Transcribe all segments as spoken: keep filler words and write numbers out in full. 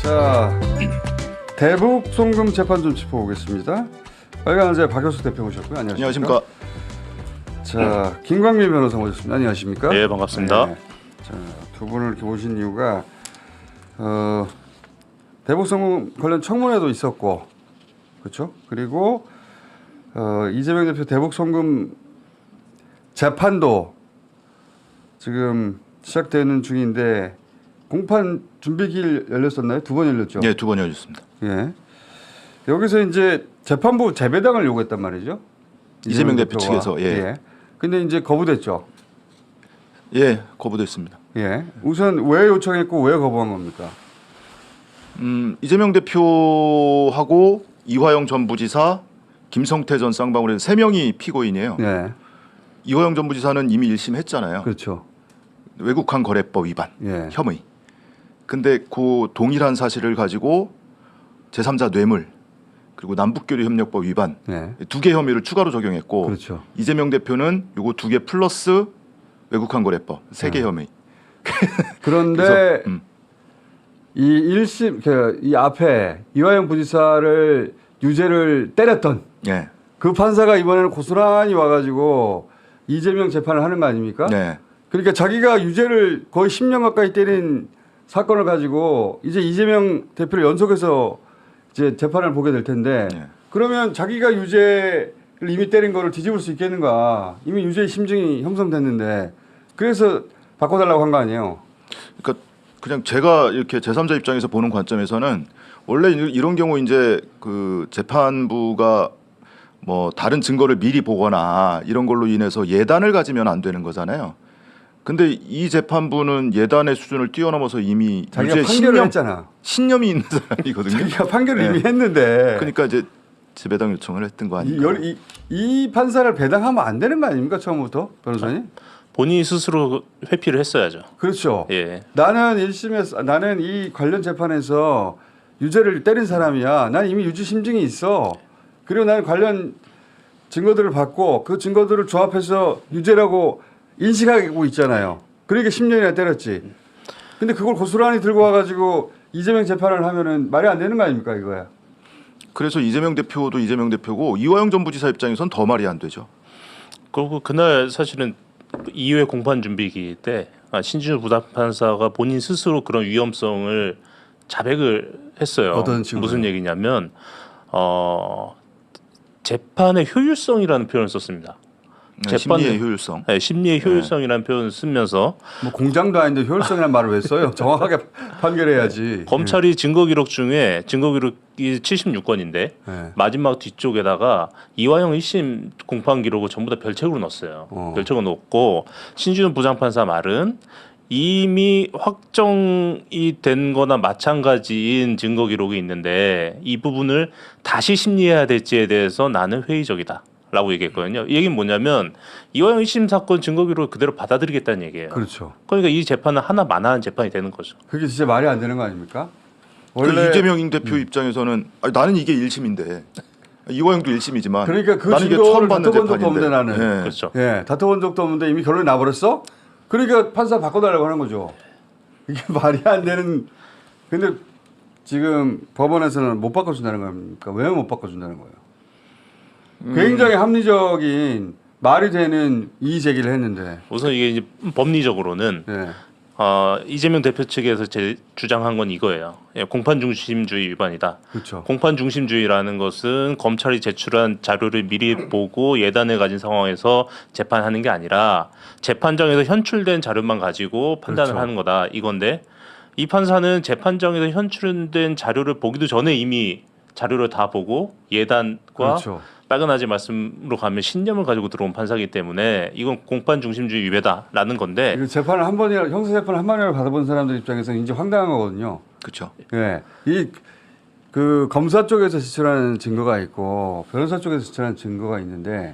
자, 대북 송금 재판 좀 짚어보겠습니다. 빨간제 박효수 대표 오셨고요. 안녕하십니까? 안녕하십니까? 자, 김광민 변호사 모셨습니다. 안녕하십니까? 네, 반갑습니다. 네. 자, 두 분을 이렇게 모신 이유가 어, 대북 송금 관련 청문회도 있었고, 그렇죠? 그리고 어, 이재명 대표 대북 송금 재판도 지금 시작되는 중인데 공판 준비기일 열렸었나요? 두 번 열렸죠? 네, 두 번 열렸습니다. 예. 여기서 이제 재판부 재배당을 요구했단 말이죠. 이재명 대표 측에서 예. 예. 근데 이제 거부됐죠. 예, 거부됐습니다. 예. 우선 왜 요청했고 왜 거부한 겁니까? 음, 이재명 대표하고 이화영 전 부지사, 김성태 전 쌍방울의 세 명이 피고인이에요. 예. 이화영 전 부지사는 이미 일 심 했잖아요. 그렇죠. 외국환 거래법 위반 예. 혐의. 근데 그 동일한 사실을 가지고 제삼자 뇌물 그리고 남북교류 협력법 위반 예. 두 개 혐의를 추가로 적용했고 그렇죠. 이재명 대표는 요거 두 개 플러스 외국환 거래법 세 개 예. 혐의. 그런데 그래서, 음. 이 일 심 이 앞에 이화영 부지사를 유죄를 때렸던 예. 그 판사가 이번에는 고스란히 와가지고 이재명 재판을 하는 거 아닙니까? 네. 그러니까 자기가 유죄를 거의 십 년 가까이 때린 사건을 가지고 이제 이재명 대표를 연속해서 이제 재판을 보게 될 텐데 네. 그러면 자기가 유죄를 이미 때린 거를 뒤집을 수 있겠는가? 이미 유죄 심증이 형성됐는데 그래서 바꿔달라고 한 거 아니에요? 그러니까 그냥 제가 이렇게 제삼자 입장에서 보는 관점에서는 원래 이런 경우 이제 그 재판부가 뭐 다른 증거를 미리 보거나 이런 걸로 인해서 예단을 가지면 안 되는 거잖아요. 근데 이 재판부는 예단의 수준을 뛰어넘어서 이미 자기가 유죄 판결을 신념, 했잖아. 신념이 있는 사람이거든요. 자기가 판결을 네. 이미 했는데. 그러니까 이제 재배당 요청을 했던 거 이, 아닙니까? 열- 이, 이 판사를 배당하면 안 되는 거 아닙니까 처음부터 변호사님? 본인이 스스로 회피를 했어야죠. 그렇죠. 예. 나는 일 심에서 나는 이 관련 재판에서 유죄를 때린 사람이야. 난 이미 유죄 심증이 있어. 그리고 나는 관련 증거들을 받고 그 증거들을 조합해서 유죄라고 인식하고 있잖아요. 그러니까 십 년이나 때렸지. 근데 그걸 고스란히 들고 와가지고 이재명 재판을 하면은 말이 안 되는 거 아닙니까 이거야. 그래서 이재명 대표도 이재명 대표고 이화영 전 부지사 입장에선 더 말이 안 되죠. 그리고 그날 사실은 이 회 공판 준비기 때 신진우 부장판사가 본인 스스로 그런 위험성을 자백을 했어요. 어떤 식으로요? 무슨 얘기냐면 어, 재판의 효율성이라는 표현을 썼습니다. 네, 심리의 효율성. 네, 심리의 효율성이라는 표현을 쓰면서 뭐 공장도 아닌데 효율성이라는 말을 왜 써요? 정확하게 판결해야지. 검찰이 증거 기록 중에 증거 기록이 칠십육 건인데 네. 마지막 뒤쪽에다가 이화영 일 심 공판 기록을 전부 다 별책으로 넣었어요. 어. 별책으로 넣고 신준우 부장판사 말은 이미 확정이 된 거나 마찬가지인 증거 기록이 있는데 이 부분을 다시 심리해야 될지에 대해서 나는 회의적이다. 라고 얘기했거든요. 이 얘기는 뭐냐면 이화영 일 심 사건 증거 기록을 그대로 받아들이겠다는 얘기예요. 그렇죠. 그러니까 이 재판은 하나 만화한 재판이 되는 거죠. 그게 진짜 말이 안 되는 거 아닙니까? 그 이재명 대표 입장에서는 아니, 나는 이게 일 심인데 이화영도 일 심이지만 그러니까 그 나는 이게 증거를 처음 받는 다퉈본 적도 재판인데 없는데 나는. 예. 그렇죠. 예, 다퉈본 적도 없는데 이미 결론이 나버렸어? 그러니까 판사 바꿔달라고 하는 거죠. 이게 말이 안 되는. 근데 지금 법원에서는 못 바꿔준다는 겁니까? 왜 못 바꿔준다는 거예요? 음. 굉장히 합리적인 말이 되는 이의 제기를 했는데. 우선 이게 이제 법리적으로는 예. 어, 이재명 대표 측에서 제 주장한 건 이거예요. 예, 공판 중심주의 위반이다. 그렇죠. 공판 중심주의라는 것은 검찰이 제출한 자료를 미리 보고 예단을 가진 상황에서 재판하는 게 아니라 재판정에서 현출된 자료만 가지고 판단을 그렇죠. 하는 거다. 이건데 이 판사는 재판정에서 현출된 자료를 보기도 전에 이미 자료를 다 보고 예단과 그렇죠. 빨간아지 말씀으로 가면 신념을 가지고 들어온 판사이기 때문에 이건 공판 중심주의 위배다라는 건데 이거 재판을 한 번이라 형사 재판을 한 번이라도 받아본 사람들 입장에서 이제 황당한 거거든요. 그렇죠. 예, 이 그 검사 쪽에서 제출하는 증거가 있고 변호사 쪽에서 제출하는 증거가 있는데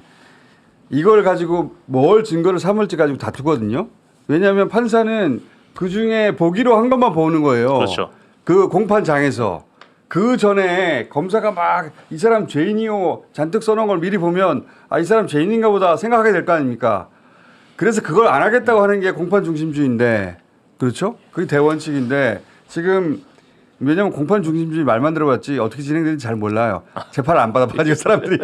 이걸 가지고 뭘 증거를 삼을지 가지고 다투거든요. 왜냐하면 판사는 그 중에 보기로 한 것만 보는 거예요. 그렇죠. 그 공판장에서 그 전에 검사가 막 이 사람 죄인이요 잔뜩 써놓은 걸 미리 보면 아, 이 사람 죄인인가 보다 생각하게 될 거 아닙니까? 그래서 그걸 안 하겠다고 하는 게 공판 중심주의인데 그렇죠? 그게 대원칙인데 지금 왜냐하면 공판 중심주의 말만 들어봤지 어떻게 진행되는지 잘 몰라요. 재판을 안 받아봐가지고 사람들이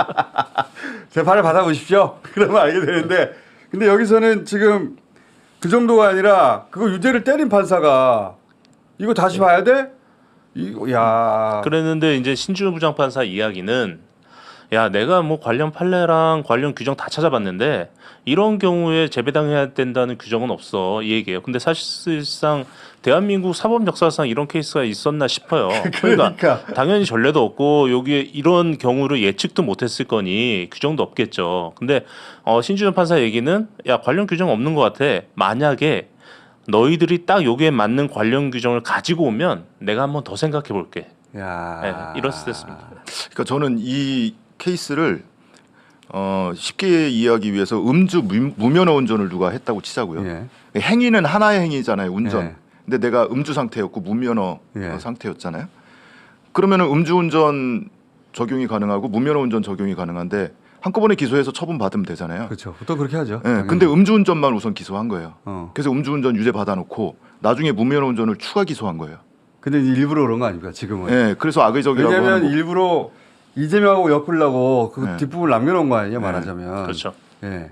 재판을 받아보십시오. 그러면 알게 되는데 근데 여기서는 지금 그 정도가 아니라 그거 유죄를 때린 판사가 이거 다시 봐야 돼? 이거 야. 그랬는데 이제 신준호 부장판사 이야기는 야 내가 뭐 관련 판례랑 관련 규정 다 찾아봤는데 이런 경우에 재배당해야 된다는 규정은 없어 이 얘기예요. 근데 사실상 대한민국 사법 역사상 이런 케이스가 있었나 싶어요. 그러니까, 그러니까. 당연히 전례도 없고 여기에 이런 경우를 예측도 못했을 거니 규정도 없겠죠. 근데 어, 신준호 판사 얘기는 야 관련 규정 없는 것 같아. 만약에 너희들이 딱 여기에 맞는 관련 규정을 가지고 오면 내가 한번 더 생각해 볼게. 야. 네, 이렇습니다. 그러니까 저는 이 케이스를 어, 쉽게 이해하기 위해서 음주 무, 무면허 운전을 누가 했다고 치자고요. 예. 행위는 하나의 행위잖아요. 운전. 예. 근데 내가 음주 상태였고 무면허 예. 어, 상태였잖아요. 그러면은 음주운전 적용이 가능하고 무면허 운전 적용이 가능한데 한꺼번에 기소해서 처분 받으면 되잖아요. 그렇죠. 보통 그렇게 하죠. 예. 당연히. 근데 음주운전만 우선 기소한 거예요. 어. 그래서 음주운전 유죄 받아놓고 나중에 무면허 운전을 추가 기소한 거예요. 근데 이제 일부러 그런 거 아닙니까 지금은? 예. 그래서 악의적이라고 왜냐하면 하는 거. 일부러 이재명하고 엮으려고 그 네. 뒷부분을 남겨놓은 거 아니에요 네. 말하자면. 그렇죠. 예.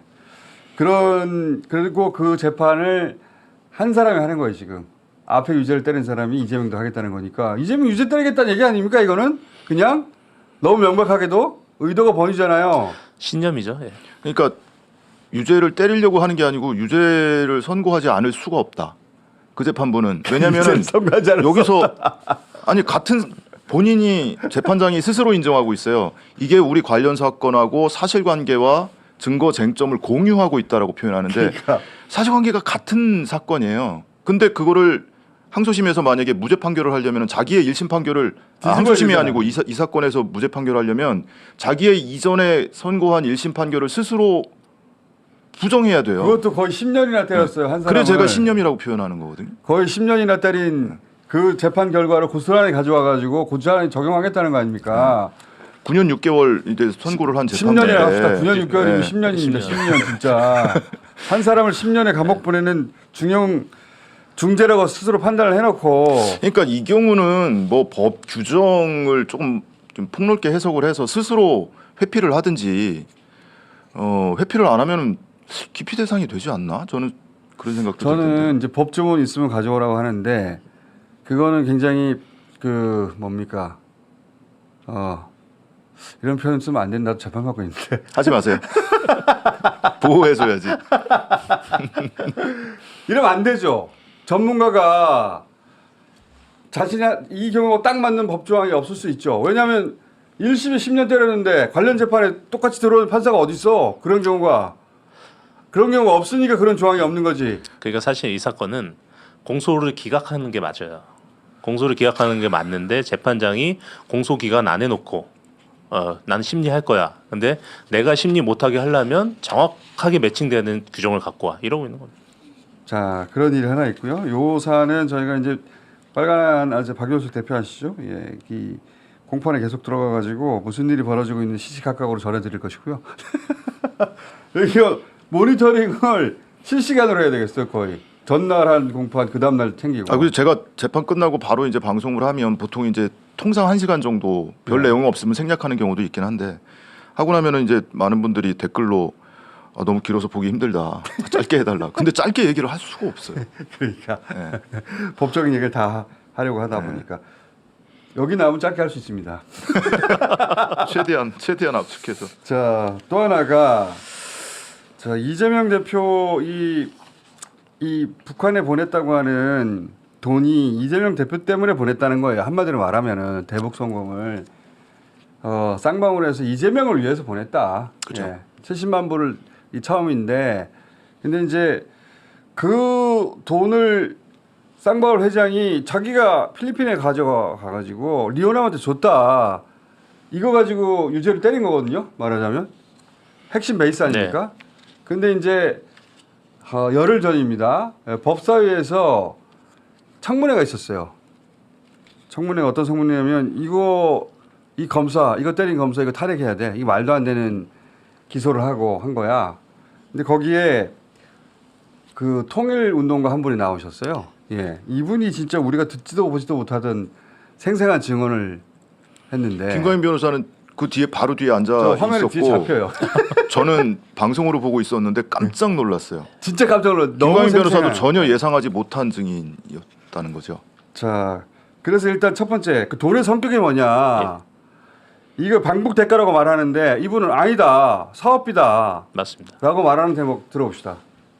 그런 그리고 그 재판을 한 사람이 하는 거예요 지금. 앞에 유죄를 때린 사람이 이재명도 하겠다는 거니까 이재명 유죄 때리겠다는 얘기 아닙니까 이거는? 그냥 너무 명백하게도 의도가 번이잖아요. 신념이죠. 예. 그러니까 유죄를 때리려고 하는 게 아니고 유죄를 선고하지 않을 수가 없다. 그 재판부는 왜냐면은 선고하지 않았어. 여기서 아니 같은 본인이 재판장이 스스로 인정하고 있어요. 이게 우리 관련 사건하고 사실관계와 증거 쟁점을 공유하고 있다라고 표현하는데 그러니까. 사실관계가 같은 사건이에요. 근데 그거를 항소심에서 만약에 무죄 판결을 하려면 자기의 일심 판결을 아, 항소심이 되잖아. 아니고 이, 사, 이 사건에서 무죄 판결을 하려면 자기의 이전에 선고한 일심 판결을 스스로 부정해야 돼요. 그것도 거의 십 년이나 때렸어요 한 사람. 그래 제가 신념이라고 표현하는 거거든요. 거의 십 년이나 때린 그 재판 결과를 고스란히 가져와 가지고 고스란히 적용하겠다는 거 아닙니까? 구 년 육 개월 이제 선고를 한 십 년이나 재판인데 합시다. 구 년 육 개월이면 네. 십 년입니다. 십 십 년 진짜. 한 사람을 십 년에 감옥 보내는 중형 중죄라고 스스로 판단을 해놓고 그러니까 이 경우는 뭐 법 규정을 조금 좀 폭넓게 해석을 해서 스스로 회피를 하든지 어, 회피를 안 하면은 기피 대상이 되지 않나? 저는 그런 생각도 들던데. 저는 이제 법조문 있으면 가져오라고 하는데 그거는 굉장히 그 뭡니까 어 이런 표현 쓰면 안 된다고 재판 받고 있는데 하지 마세요. 보호해줘야지. 이러면 안 되죠. 전문가가 자신이 이 경우가 딱 맞는 법조항이 없을 수 있죠. 왜냐하면 일 심에 십 년 때렸는데 관련 재판에 똑같이 들어오는 판사가 어디 있어? 그런 경우가 그런 경우가 없으니까 그런 조항이 없는 거지. 그러니까 사실 이 사건은 공소를 기각하는 게 맞아요. 공소를 기각하는 게 맞는데 재판장이 공소 기각 안 해놓고 어, 나는 심리할 거야. 근데 내가 심리 못하게 하려면 정확하게 매칭되는 규정을 갖고 와. 이러고 있는 겁니다. 자 그런 일이 하나 있고요. 요 사안은 저희가 이제 빨간 아재 박효숙 대표 아시죠? 예, 이 공판에 계속 들어가 가지고 무슨 일이 벌어지고 있는 시시각각으로 전해드릴 것이고요. 이거 모니터링을 실시간으로 해야 되겠어요 거의. 전날 한 공판 그 다음 날 챙기고. 아, 그래서 제가 재판 끝나고 바로 이제 방송을 하면 보통 이제 통상 한 시간 정도 별 네. 내용 없으면 생략하는 경우도 있긴 한데 하고 나면은 이제 많은 분들이 댓글로 아, 너무 길어서 보기 힘들다. 짧게 해달라. 근데 짧게 얘기를 할 수가 없어요. 그러니까 네. 법적인 얘기를 다 하려고 하다 네. 보니까 여기 나오면 짧게 할 수 있습니다. 최대한 최대한 압축해서. 자, 또 하나가 자, 이재명 대표 이, 이 북한에 보냈다고 하는 돈이 이재명 대표 때문에 보냈다는 거예요. 한마디로 말하면은 대북 성공을 어, 쌍방울 해서 이재명을 위해서 보냈다. 그죠. 예, 칠십만 불을 이 처음인데 근데 이제 그 돈을 쌍방울 회장이 자기가 필리핀에 가져가 가지고 리오남한테 줬다. 이거 가지고 유죄를 때린 거거든요. 말하자면 핵심 베이스 아닙니까? 네. 근데 이제 어, 열흘 전입니다. 예, 법사위에서 청문회가 있었어요. 청문회가 어떤 청문회냐면 이거 이 검사 이거 때린 검사 이거 탈핵해야 돼. 이거 말도 안 되는 기소를 하고 한 거야. 근데 거기에 그 통일운동가 한 분이 나오셨어요. 예, 이분이 진짜 우리가 듣지도 보지도 못하던 생생한 증언을 했는데 김광민 변호사는 그 뒤에 바로 뒤에 저 앉아 화면에 있었고 뒤에 잡혀요. 저는 방송으로 보고 있었는데 깜짝 놀랐어요. 진짜 깜짝 놀랐. 너무 김광민 변호사도 생생한. 전혀 예상하지 못한 증인이었다는 거죠. 자, 그래서 일단 첫 번째 그 돈의 성격이 뭐냐. 이거 방북 대가라고 말하는데 이분은 아니다. 사업비다. 맞습니다. 라고 말하는 대목 들어봅시다.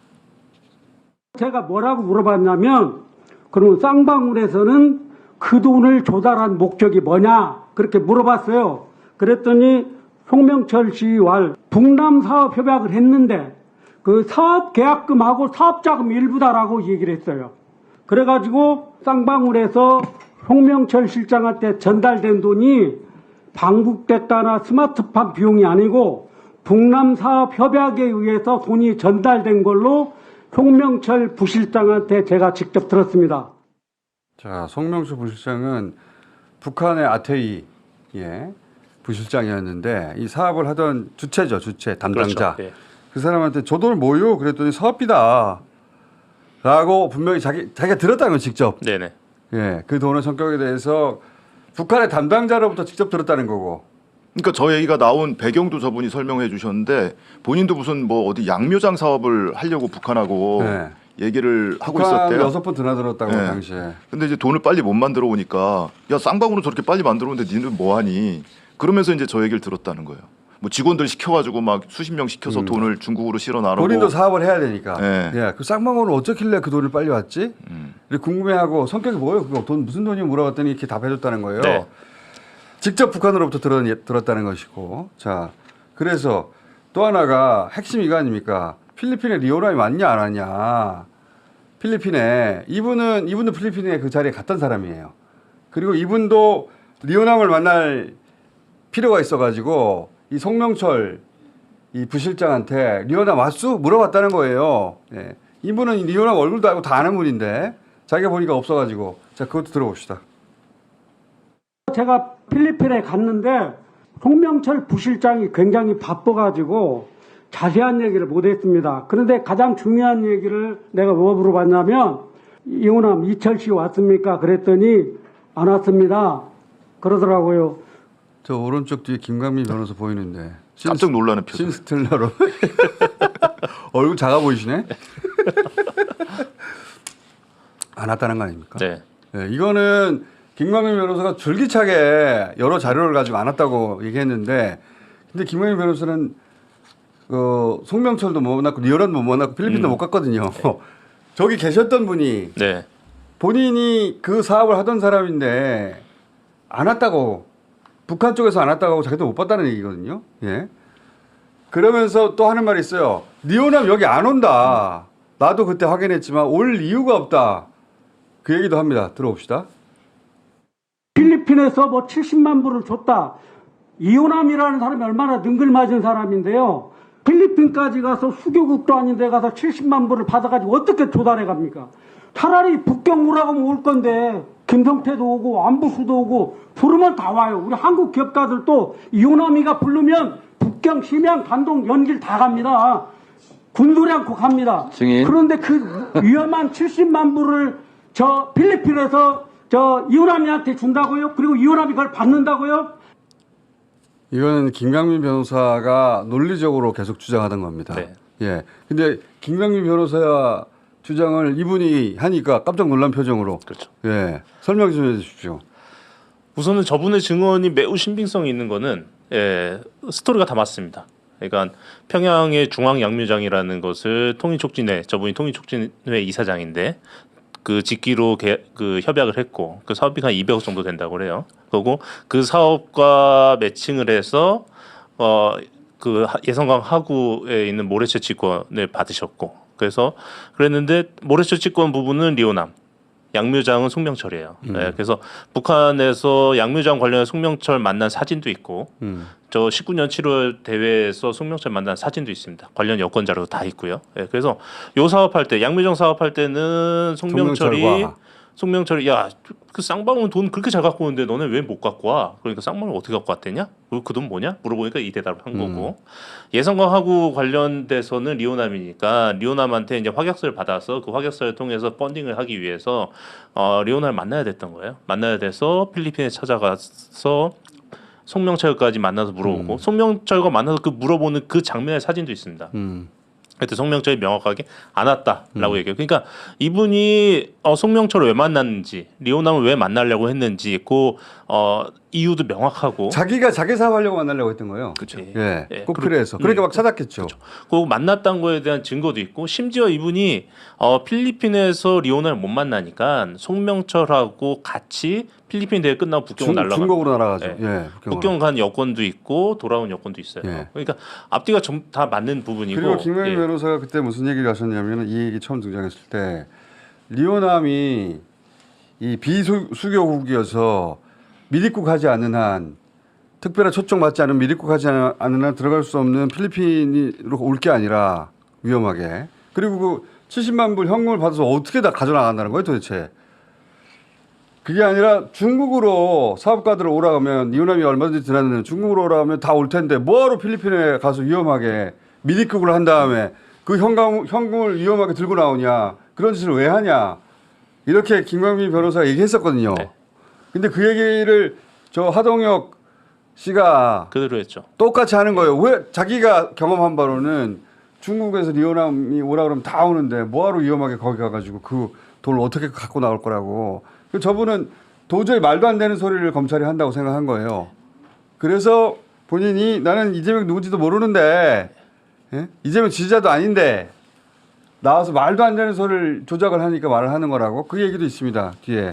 제가 뭐라고 물어봤냐면 그럼 쌍방울에서는 그 돈을 조달한 목적이 뭐냐 그렇게 물어봤어요. 그랬더니 송명철 씨와 북남 사업 협약을 했는데 그 사업 계약금하고 사업자금 일부다라고 얘기를 했어요. 그래가지고 쌍방울에서 송명철 실장한테 전달된 돈이 방북대가나 스마트팜 비용이 아니고 북남 사업 협약에 의해서 돈이 전달된 걸로 송명철 부실장한테 제가 직접 들었습니다. 자, 송명철 부실장은 북한의 아태이 예, 부실장이었는데 이 사업을 하던 주체죠, 주체 담당자. 그렇죠. 예. 그 사람한테 저 돈을 뭐요? 그랬더니 사업비다. 라고 분명히 자기 자기가 들었다는 건 직접. 네네. 예, 그 돈의 성격에 대해서 북한의 담당자로부터 직접 들었다는 거고. 그러니까 저 얘기가 나온 배경도 저분이 설명해 주셨는데 본인도 무슨 뭐 어디 양묘장 사업을 하려고 북한하고 네. 얘기를 하고 북한 있었대요. 여섯 번 드나들었다고 네. 당시에. 근데 이제 돈을 빨리 못 만들어 오니까 야 쌍방울은 저렇게 빨리 만들어 오는데 니는 뭐 하니? 그러면서 이제 저 얘기를 들었다는 거예요. 뭐 직원들 시켜가지고 막 수십 명 시켜서 음. 돈을 중국으로 실어 나르고. 본인도 사업을 해야 되니까. 네. 예, 그 쌍방울은 어쩌길래 그 돈을 빨리 왔지? 음. 이렇게 궁금해하고 성격이 뭐예요? 그거 돈 무슨 돈이 물어봤더니 이렇게 답해줬다는 거예요. 네. 직접 북한으로부터 들었, 들었다는 것이고. 자, 그래서 또 하나가 핵심 이거 아닙니까? 필리핀에 리오남이 왔냐 안 왔냐. 필리핀에 이분은 이분도 필리핀에 그 자리에 갔던 사람이에요. 그리고 이분도 리오남을 만날 필요가 있어가지고 이 송명철 이 부실장한테 리오남 왔수 물어봤다는 거예요. 예. 이분은 리오남 얼굴도 알고 다 아는 분인데 자기가 보니까 없어가지고 자 그것도 들어봅시다. 제가 필리핀에 갔는데 송명철 부실장이 굉장히 바빠가지고 자세한 얘기를 못했습니다. 그런데 가장 중요한 얘기를 내가 뭐 물어봤냐면 이호남 이철 씨 왔습니까? 그랬더니 안 왔습니다. 그러더라고요. 저 오른쪽 뒤에 김광민 변호사 보이는데 깜짝 놀라는 표정. 신스텔라로 얼굴 작아 보이시네. 안 왔다는 거 아닙니까? 네. 네, 이거는 김광민 변호사가 줄기차게 여러 자료를 가지고 안 왔다고 얘기했는데 근데 김광민 변호사는 어, 송명철도 못 만났고 리오란도 못 만났고 필리핀도 음. 못 갔거든요. 저기 계셨던 분이 네. 본인이 그 사업을 하던 사람인데 안 왔다고 북한 쪽에서 안 왔다고 하고 자기도 못 봤다는 얘기거든요. 예. 그러면서 또 하는 말이 있어요. 리오남 여기 안 온다. 나도 그때 확인했지만 올 이유가 없다. 그 얘기도 합니다. 들어봅시다. 필리핀에서 뭐 칠십만 불을 줬다. 이호남이라는 사람이 얼마나 능글맞은 사람인데요. 필리핀까지 가서 수교국도 아닌데 가서 칠십만 불을 받아가지고 어떻게 조달해 갑니까? 차라리 북경 오라고 하면 올 건데 김성태도 오고 안부수도 오고 부르면 다 와요. 우리 한국 기업가들도 이호남이가 부르면 북경, 심양, 단동, 연길 다 갑니다. 군소리 않고 갑니다. 증인. 그런데 그 위험한 칠십만 불을 저 필리핀에서 저 이호남이한테 준다고요? 그리고 이호남이 그걸 받는다고요? 이거는 김광민 변호사가 논리적으로 계속 주장하던 겁니다. 네. 예. 근데 김광민 변호사 주장을 이분이 하니까 깜짝 놀란 표정으로. 그렇죠. 예. 설명 좀 해주십시오. 우선은 저분의 증언이 매우 신빙성이 있는 거는 예, 스토리가 다 맞습니다. 그러니까 평양의 중앙 양묘장이라는 것을 통일촉진회 저분이 통일촉진회 이사장인데 그 직기로 개, 그 협약을 했고 그 사업비가 한 이백억 정도 된다고 그래요. 그리고 그 사업과 매칭을 해서 어 그 예성강 하구에 있는 모래채취권을 받으셨고 그래서 그랬는데 모래채취권 부분은 리오남, 양묘장은 송명철이에요. 음. 네, 그래서 북한에서 양묘장 관련해 송명철 만난 사진도 있고 음. 저 십구 년 칠월 대회에서 송명철 만난 사진도 있습니다. 관련 여권 자료도 다 있고요. 네, 그래서 요 사업할 때 양묘장 사업할 때는 송명철이 송명철과 송명철이 야 그 쌍방울 돈 그렇게 잘 갖고 오는데 너네 왜 못 갖고 와? 그러니까 쌍방울 어떻게 갖고 왔대냐? 그 돈 뭐냐? 물어보니까 이 대답을 한 거고 예성과하고 관련돼서는 리오남이니까 리오남한테 이제 확약서를 받아서 그 확약서를 통해서 펀딩을 하기 위해서 어, 리오남을 만나야 됐던 거예요. 만나야 돼서 필리핀에 찾아가서 송명철까지 만나서 물어보고 송명철과 만나서 그 물어보는 그 장면의 사진도 있습니다. 음. 그때 송명철이 명확하게 안 왔다라고 얘기해요. 그러니까 이분이 어, 송명철을 왜 만났는지, 리오남을 왜 만나려고 했는지, 그 어, 이유도 명확하고. 자기가 자기 사업하려고 만나려고 했던 거예요. 그렇죠. 예. 예. 예. 꼭 그리고- 그래서. 그러니까 음, 막 찾았겠죠. 그 만났던 거에 대한 증거도 있고, 심지어 이분이 어, 필리핀에서 리오남을 못 만나니까 송명철하고 같이 필리핀 대회 끝나고 북경 중, 날라가. 중국으로 날아가죠. 예. 예. 북경으로. 북경 간 여권도 있고 돌아온 여권도 있어요. 예. 그러니까 앞뒤가 좀 다 맞는 부분이고. 그리고 김명희 예. 변호사가 그때 무슨 얘기를 하셨냐면 이 얘기 처음 등장했을 때 리오남이 이 비수교국이어서 미립국하지 않는 한 특별한 초청받지 않은 미립국하지 않은 한 들어갈 수 없는 필리핀으로 올 게 아니라 위험하게 그리고 그 칠십만 불 현금을 받아서 어떻게 다 가져나간다는 거예요 도대체. 그게 아니라 중국으로 사업가들 오라 하면 리오남이 얼마든지 드나드는 중국으로 오라 하면 다 올 텐데 뭐하러 필리핀에 가서 위험하게 미립국을 한 다음에 그 현금, 현금을 위험하게 들고 나오냐 그런 짓을 왜 하냐 이렇게 김광민 변호사가 얘기했었거든요. 네. 근데 그 얘기를 저 하동혁 씨가 그대로 했죠. 똑같이 하는 거예요. 왜 자기가 경험한 바로는 중국에서 리오남이 오라 그러면 다 오는데 뭐하러 위험하게 거기 가가지고 그 돈을 어떻게 갖고 나올 거라고. 저분은 도저히 말도 안 되는 소리를 검찰이 한다고 생각한 거예요. 그래서 본인이 나는 이재명 누군지도 모르는데 예? 이재명 지지자도 아닌데 나와서 말도 안 되는 소리를 조작을 하니까 말을 하는 거라고 그 얘기도 있습니다. 뒤에.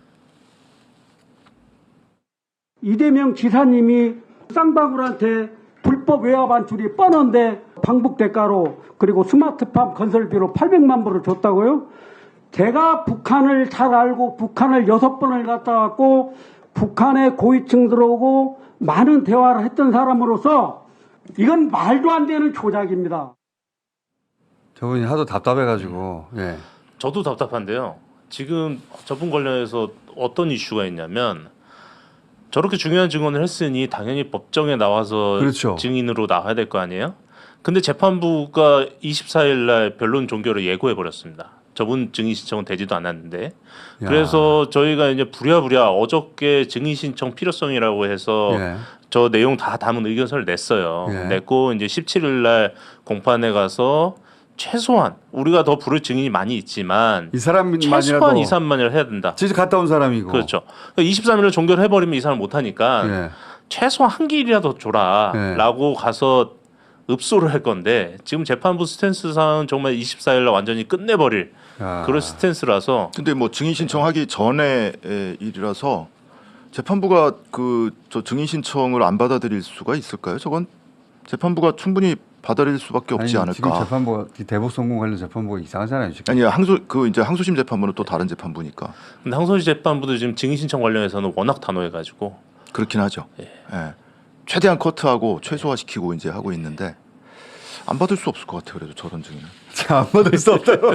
이재명 지사님이 쌍방울한테 불법 외화 반출이 뻔한데 방북 대가로 그리고 스마트팜 건설비로 팔백만 불을 줬다고요? 제가 북한을 잘 알고 북한을 여섯 번을 갔다 왔고 북한의 고위층 들어오고 많은 대화를 했던 사람으로서 이건 말도 안 되는 조작입니다. 저분이 하도 답답해가지고 예. 저도 답답한데요. 지금 저분 관련해서 어떤 이슈가 있냐면 저렇게 중요한 증언을 했으니 당연히 법정에 나와서 그렇죠. 증인으로 나와야 될 거 아니에요? 근데 재판부가 이십사 일 날 변론 종결을 예고해 버렸습니다. 저분 증인 신청은 되지도 않았는데. 야. 그래서 저희가 이제 부랴부랴 어저께 증인 신청 필요성이라고 해서 예. 저 내용 다 담은 의견서를 냈어요. 예. 냈고 이제 십칠 일 날 공판에 가서 최소한 우리가 더 부를 증인이 많이 있지만 이 사람만이라도 최소한 이, 삼만을 해야 된다. 직접 갔다 온 사람이고. 그렇죠. 이십삼 일을 종결해 버리면 이 사람 못 하니까 예. 최소한 한 길이라도 줘라라고 가서 읍소를 할 건데 지금 재판부 스탠스상 정말 이십사 일 날 완전히 끝내버릴 야. 그런 스탠스라서 근데 뭐 증인 신청하기 전에 일이라서 재판부가 그 저 증인 신청을 안 받아들일 수가 있을까요? 저건 재판부가 충분히 받아들일 수밖에 없지 아니, 지금 않을까. 재판부 대북 성공 관련 재판부가 이상하잖아요. 지금. 아니 항소 그 이제 항소심 재판부는 또 다른 재판부니까 근데 항소심 재판부도 지금 증인 신청 관련해서는 워낙 단호해가지고 그렇긴 하죠. 예. 예. 최대한 커트하고 최소화시키고 이제 하고 있는데 안 받을 수 없을 것 같아요. 그래도 저런 증인은. 안 받을 수 없다고.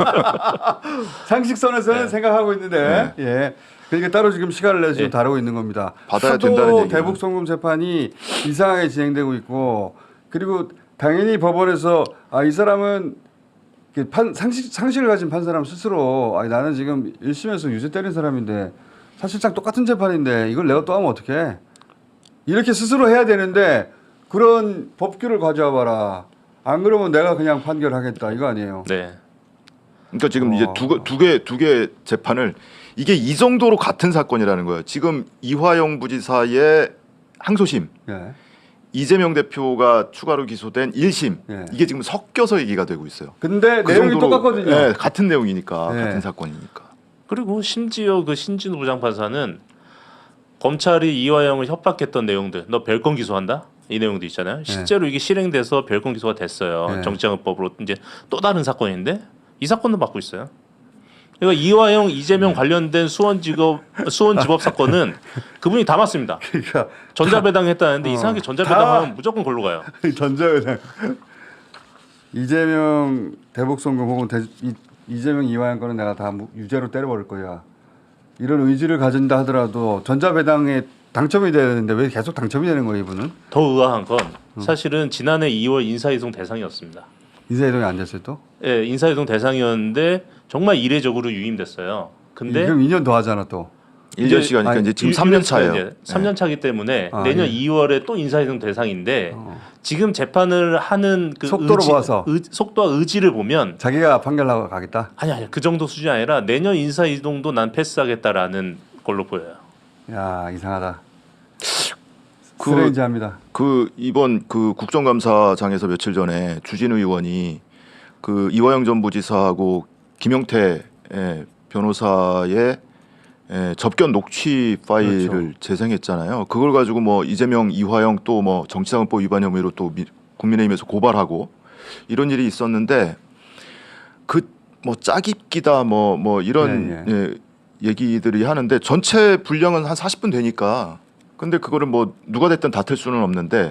상식선에서는 네. 생각하고 있는데, 예. 그러니까 따로 지금 시간을 내서 지금 예. 다루고 있는 겁니다. 받아야 하도 된다는 얘기는. 대북 송금 재판이 이상하게 진행되고 있고, 그리고 당연히 법원에서 아, 이 사람은 그 판, 상식, 상식을 가진 판사람 스스로 아니, 나는 지금 일 심에서 유죄 때린 사람인데 사실상 똑같은 재판인데 이걸 내가 또 하면 어떡해? 이렇게 스스로 해야 되는데 그런 법규를 가져와 봐라. 안 그러면 내가 그냥 판결하겠다 이거 아니에요. 네. 그러니까 지금 어. 이제 두 개 두 개 재판을 이게 이 정도로 같은 사건이라는 거예요. 지금 이화영 부지사의 항소심, 예. 이재명 대표가 추가로 기소된 일 심 예. 이게 지금 섞여서 얘기가 되고 있어요. 근데 그 내용이 정도로- 똑같거든요. 예, 같은 내용이니까 예. 같은 사건이니까. 그리고 심지어 그 신진우 부장판사는 검찰이 이화영을 협박했던 내용들, 너 별건 기소한다? 이 내용도 있잖아요. 실제로 이게 실행돼서 별건 기소가 됐어요. 네. 정치자금법으로 이제 또 다른 사건인데 이 사건도 받고 있어요. 그러니까 이화영, 이재명 관련된 수원지법 수원지법 사건은 그분이 다 맞습니다. 그러니까 전자배당했다는데 어, 이상하게 다- 전자배당하면 무조건 걸로 가요. 전자회장 이재명 대북 송금 혹은 대, 이, 이재명 이화영 거는 내가 다 무- 유죄로 때려버릴 거야. 이런 의지를 가진다 하더라도 전자배당에 당첨이 되는데 왜 계속 당첨이 되는 거예요, 이분은? 더 의아한 건 사실은 지난해 이월 인사이동 대상이었습니다. 인사이동에 앉았어요 또? 예, 인사이동 대상이었는데 정말 이례적으로 유임됐어요. 근데 그럼 이 년 더 하잖아 또. 일 년 이제- 시간이니까 아니, 이제 지금 유- 삼 년 유임됐어요, 차예요. 이제. 삼 년 차기 때문에 아, 내년 예. 이월에 또 인사이동 대상인데 어. 지금 재판을 하는 그 속도로 의지, 봐서. 의, 속도와 의지를 보면 자기가 판결하고 가겠다. 아니 아니 그 정도 수준이 아니라 내년 인사이동도 난 패스하겠다라는 걸로 보여요. 야 이상하다. 그- 스트레인지합니다. 그 이번 그 국정감사장에서 며칠 전에 주진우 의원이 그 이화영 전 부지사하고 김용태 예, 변호사의 예, 접견 녹취 파일을 그렇죠. 재생했잖아요. 그걸 가지고 뭐 이재명, 이화영 또 뭐 정치자금법 위반 혐의로 또 미, 국민의힘에서 고발하고 이런 일이 있었는데 그 뭐 짜깁기다 뭐 뭐 이런 예, 예, 얘기들이 하는데 전체 분량은 한 사십 분 되니까 근데 그거를 뭐 누가 됐든 다툴 수는 없는데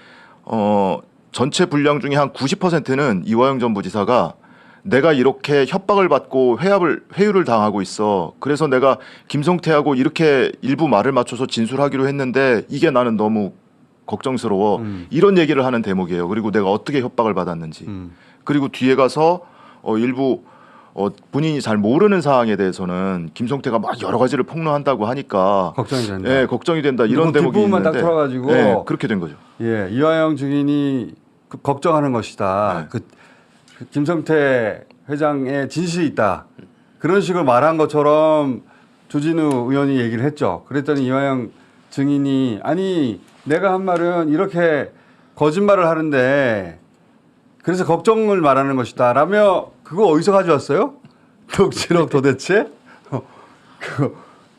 어 전체 분량 중에 한 구십 퍼센트는 이화영 전 부지사가 내가 이렇게 협박을 받고 회합을 회유를 당하고 있어. 그래서 내가 김성태하고 이렇게 일부 말을 맞춰서 진술하기로 했는데 이게 나는 너무 걱정스러워. 음. 이런 얘기를 하는 대목이에요. 그리고 내가 어떻게 협박을 받았는지. 음. 그리고 뒤에 가서 어 일부 어 본인이 잘 모르는 사항에 대해서는 김성태가 막 여러 가지를 폭로한다고 하니까 걱정이 된다. 예, 걱정이 된다. 이런 뭐 대목이 뒷부분만 딱 있는데 틀어가지고 예, 그렇게 된 거죠. 예, 이화영 증인이 그 걱정하는 것이다. 네. 그, 그 김성태 회장의 진실이 있다. 그런 식으로 말한 것처럼 주진우 의원이 얘기를 했죠. 그랬더니 이화영 증인이 아니 내가 한 말은 이렇게 거짓말을 하는데 그래서 걱정을 말하는 것이다. 라며 그거 어디서 가져왔어요? 녹취록 도대체? 어, 그거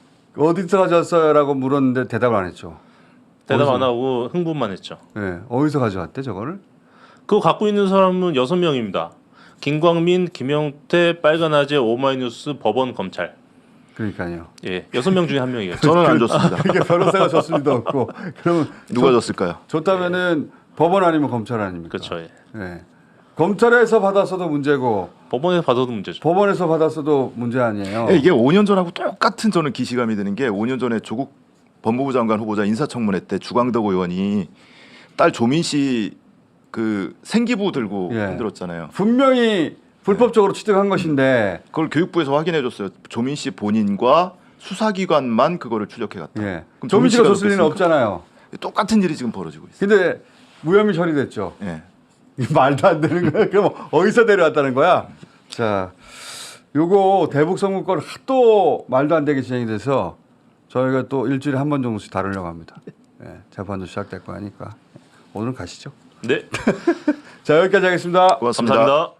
어디서 가져왔어요? 라고 물었는데 대답을 안 했죠. 대답 어디서? 안 하고 흥분만 했죠. 예, 어디서 가져왔대 저거를? 그거 갖고 있는 사람은 여섯 명입니다. 김광민, 김영태, 빨간아재, 오마이뉴스, 법원, 검찰. 그러니까요. 예, 여섯 명 중에 한 명이에요. 저는 안 줬습니다. 그게 변호사가 줬을 리도 없고 그러면 누가 줬을까요? 줬다면은 법원 아니면 검찰 아닙니까? 그렇죠. 예. 예. 검찰에서 받았어도 문제고 법원에서 받아도 문제죠. 법원에서 받았어도 문제 아니에요. 예, 이게 오 년 전하고 똑같은 저는 기시감이 드는 게 오 년 전에 조국 법무부 장관 후보자 인사청문회 때 주광덕 의원이 딸 조민 씨 그 생기부 들고 예. 흔들었잖아요. 분명히 불법적으로 취득한 것인데 그걸 교육부에서 확인해 줬어요. 조민 씨 본인과 수사기관만 그거를 추적해 갔다. 예. 그럼 조민 씨가 줬을 리는 그랬습니까? 없잖아요. 똑같은 일이 지금 벌어지고 있어요. 근데 무혐의 처리됐죠. 예. 이게 말도 안 되는 거야. 그럼 어디서 데려왔다는 거야? 자, 요거 대북 선거권 하도 말도 안 되게 진행이 돼서 저희가 또 일주일에 한 번 정도씩 다루려고 합니다. 예, 재판도 시작될 거 하니까 오늘은 가시죠. 네, 자, 여기까지 하겠습니다. 고맙습니다. 감사합니다.